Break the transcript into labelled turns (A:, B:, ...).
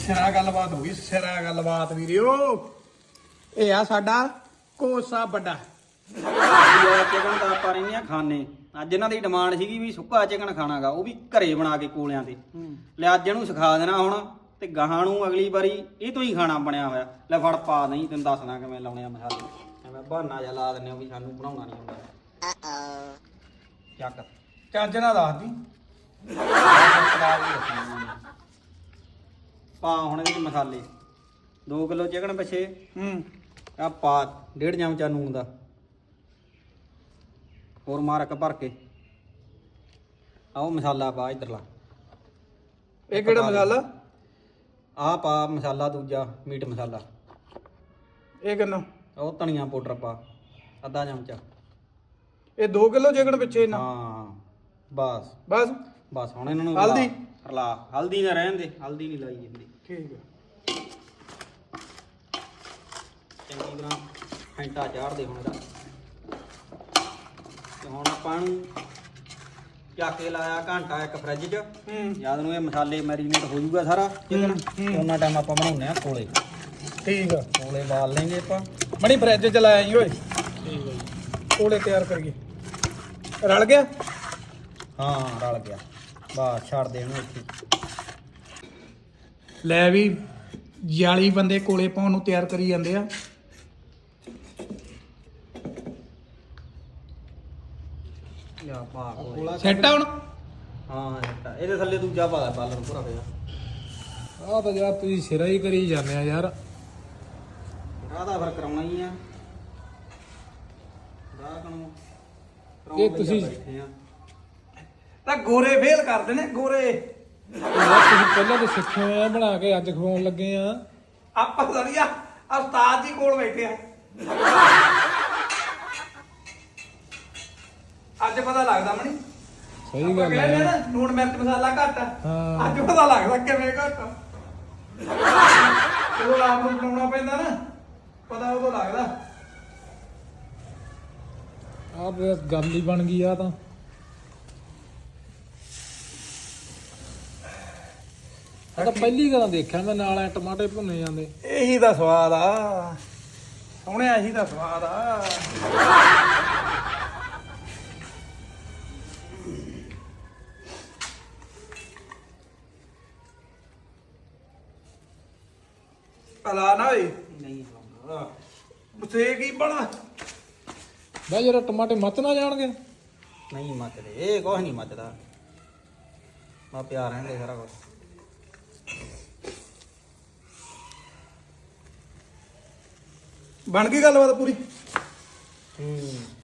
A: ਸਿਰਾ ਗੱਲਬਾਤ ਹੋ ਗਈ, ਸਿਰਾ ਗੱਲਬਾਤ ਵੀਰਿਓ। ਇਹ ਆ ਸਾਡਾ ਕੋਸਾ ਵੱਡਾ
B: ਚਿਕਨ ਤਾਂ ਆਪਾਂ ਰਹਿੰਦੇ ਆ ਖਾਣੇ। ਅੱਜ ਇਹਨਾਂ ਦੀ ਡਿਮਾਂਡ ਸੀਗੀ ਵੀ ਸੁੱਕਾ ਚਿਕਨ ਖਾਣਾਗਾ, ਉਹ ਵੀ ਘਰੇ ਬਣਾ ਕੇ ਕੋਲਿਆਂ ਤੇ। ਲੈ ਅੱਜ ਇਹਨੂੰ ਸਿਖਾ ਦੇਣਾ ਹੁਣ, ਤੇ ਗਾਹਾਂ ਨੂੰ ਅਗਲੀ ਵਾਰੀ ਇਹ ਤੋਂ ਹੀ ਖਾਣਾ ਬਣਿਆ ਹੋਇਆ। ਲੈ ਫੜ ਪਾ, ਨਹੀਂ ਤੈਨੂੰ ਦੱਸਣਾ ਕਿਵੇਂ ਲਾਉਣੇ ਆ ਮਸਾਲੇ। ਐਵੇਂ ਬਹਾਨਾ ਜਿਹਾ ਲਾ ਦਿੰਦੇ ਆ ਵੀ ਸਾਨੂੰ ਬਣਾਉਣਾ ਨਹੀਂ ਆਉਂਦਾ। ਚੱਕ
A: ਚੱਜ ਨਾਲ ਦੱਸਦੀ।
B: ਪਾ ਹੁਣ ਇਹਦੇ ਚ ਮਸਾਲੇ। 2 ਕਿਲੋ ਚਿਕਨ ਪਿੱਛੇ ਆ ਪਾ 1.5 ਚਮਚਾ ਨੂਣ ਦਾ। ਹੋਰ ਮਾਰ ਇੱਕ ਭਰ ਕੇ। ਆਓ ਮਸਾਲਾ ਪਾ ਇਧਰਲਾ।
A: ਇਹ ਕਿਹੜਾ ਮਸਾਲਾ?
B: ਆ ਪਾ ਮਸਾਲਾ ਦੂਜਾ, ਮੀਟ ਮਸਾਲਾ।
A: ਇਹ ਕਿੰਨਾ?
B: ਉਹ ਧਨੀਆ ਪਾਊਡਰ ਪਾ ਅੱਧਾ ਚਮਚਾ।
A: ਇਹ 2 ਕਿਲੋ ਚਿਕਨ ਪਿੱਛੇ ਨਾ?
B: ਹਾਂ ਬਸ
A: ਬਸ
B: ਬਸ। ਹੁਣ ਇਹਨਾਂ ਨੂੰ
A: ਹਲਦੀ
B: ਰਲਾ। ਹਲਦੀ ਨਾ ਰਹਿਣ ਦੇ, ਹਲਦੀ ਨਹੀਂ ਲਾਈ ਜਾਂਦੀ।
A: ਠੀਕ ਹੈ।
B: ਚੰਗੀ ਤਰ੍ਹਾਂ ਫੈਂਟਾ ਚਾੜ ਦੇ ਹੁਣ ਇਹਦਾ। ਤੇ ਹੁਣ ਆਪਾਂ ਨੂੰ ਚੱਕ ਕੇ ਲਾਇਆ ਘੰਟਾ ਇੱਕ ਫਰਿੱਜ 'ਚ। ਜਦ ਨੂੰ ਇਹ ਮਸਾਲੇ ਮੈਰੀਨੇਟ ਹੋ ਜਾਊਗਾ ਸਾਰਾ ਚਿਕਨ, ਉਹਨਾਂ ਟਾਈਮ ਆਪਾਂ ਬਣਾਉਂਦੇ ਆ ਕੋਲੇ।
A: ਠੀਕ ਆ।
B: ਕੋਲੇ ਬਾਲ ਲੈਂਗੇ ਆਪਾਂ।
A: ਬੜੀ ਫਰਿੱਜ ਚ ਲਾਇਆ ਜੀ ਓਏ। ਠੀਕ ਹੈ ਜੀ। ਕੋਲੇ ਤਿਆਰ ਕਰੀਏ। ਰਲ ਗਿਆ?
B: ਹਾਂ ਰਲ ਗਿਆ। ਬਸ ਛੱਡ ਦੇ ਇਹਨੂੰ ਇੱਥੇ।
A: ਲੈ ਵੀ 40 ਬੰਦੇ ਕੋਲੇ ਪਾਉਣ ਨੂੰ ਤਿਆਰ ਕਰੀ ਜਾਂਦੇ ਆ।
B: ਲਿਆ ਪਾ ਕੋਲੇ।
A: ਸੈੱਟ ਆ ਹੁਣ?
B: ਹਾਂ ਸੈੱਟ ਆ। ਇਹਦੇ ਥੱਲੇ ਦੂਜਾ ਪਾ ਲੈ ਬਾਲਰ ਪੂਰਾ ਪਿਆ।
A: ਆਹ ਤਾਂ ਯਾਰ ਤੁਸੀਂ ਸਿਰਾ ਹੀ ਕਰੀ ਜਾਂਦੇ ਆ ਯਾਰ।
B: ਆਹ ਤਾਂ ਫਿਰ ਕਰਾਉਣਾ ਹੀ ਆ।
A: ਇਹ ਤੁਸੀਂ ਤਾਂ ਗੋਰੇ ਫੇਲ ਕਰਦੇ ਨੇ ਗੋਰੇ। ਤੁਸੀਂ ਪਹਿਲਾਂ ਤਾਂ ਸਿੱਖੇ ਹੋਏ ਆ ਬਣਾ ਕੇ, ਅੱਜ ਖਵਾਉਣ ਲੱਗੇ ਆ। ਆਪਾਂ ਸੜੀਆ ਉਸਤਾਦ ਜੀ ਕੋਲ ਬੈਠੇ ਆ। ਅੱਜ ਪਤਾ ਲੱਗਦਾ ਮਣੀ।
C: ਸਹੀ ਗੱਲ ਹੈ।
A: ਲੂਣ ਮਿਰਚ ਮਸਾਲਾ ਘੱਟ ਆ।
C: ਹਾਂ।
A: ਅੱਜ ਪਤਾ ਲੱਗਦਾ ਕਿਵੇਂ ਘੱਟ ਆ। ਜਦੋਂ ਆਪ ਨੂੰ ਬਣਾਉਣਾ ਪੈਂਦਾ ਨਾ, ਪਤਾ ਉਦੋਂ ਲੱਗਦਾ।
C: ਆਹ ਗੱਲ ਹੀ ਬਣ ਗਈ ਆ ਤਾਂ। ਆ ਤਾਂ ਪਹਿਲੀ ਵਾਰ ਦੇਖਿਆ ਮੈਂ, ਨਾਲ ਐ ਟਮਾਟੇ ਭੁੰਨੇ ਜਾਂਦੇ।
A: ਇਹੀ ਤਾਂ ਸਵਾਦ ਆ ਸੋਹਣਿਆ, ਇਹੀ ਤਾਂ ਸਵਾਦ ਆ। ਪਲਾ ਨਾ ਓਏ,
B: ਨਹੀਂ ਹੋਊਗਾ।
A: ਸੇ ਕੀ ਬਣਾ।
C: ਬਈ ਜਰਾ ਟਮਾਟੇ ਮੱਚ ਨਾ ਜਾਣਗੇ।
B: ਨਹੀਂ ਮੱਚਦੇ, ਇਹ ਕੁਛ ਨਹੀਂ ਮੱਚਦਾ। ਆ ਪਿਆ ਰਹਿੰਦੇ ਸਾਰਾ ਕੁਛ।
A: ਬਣ ਗਈ ਗੱਲਬਾਤ ਪੂਰੀ।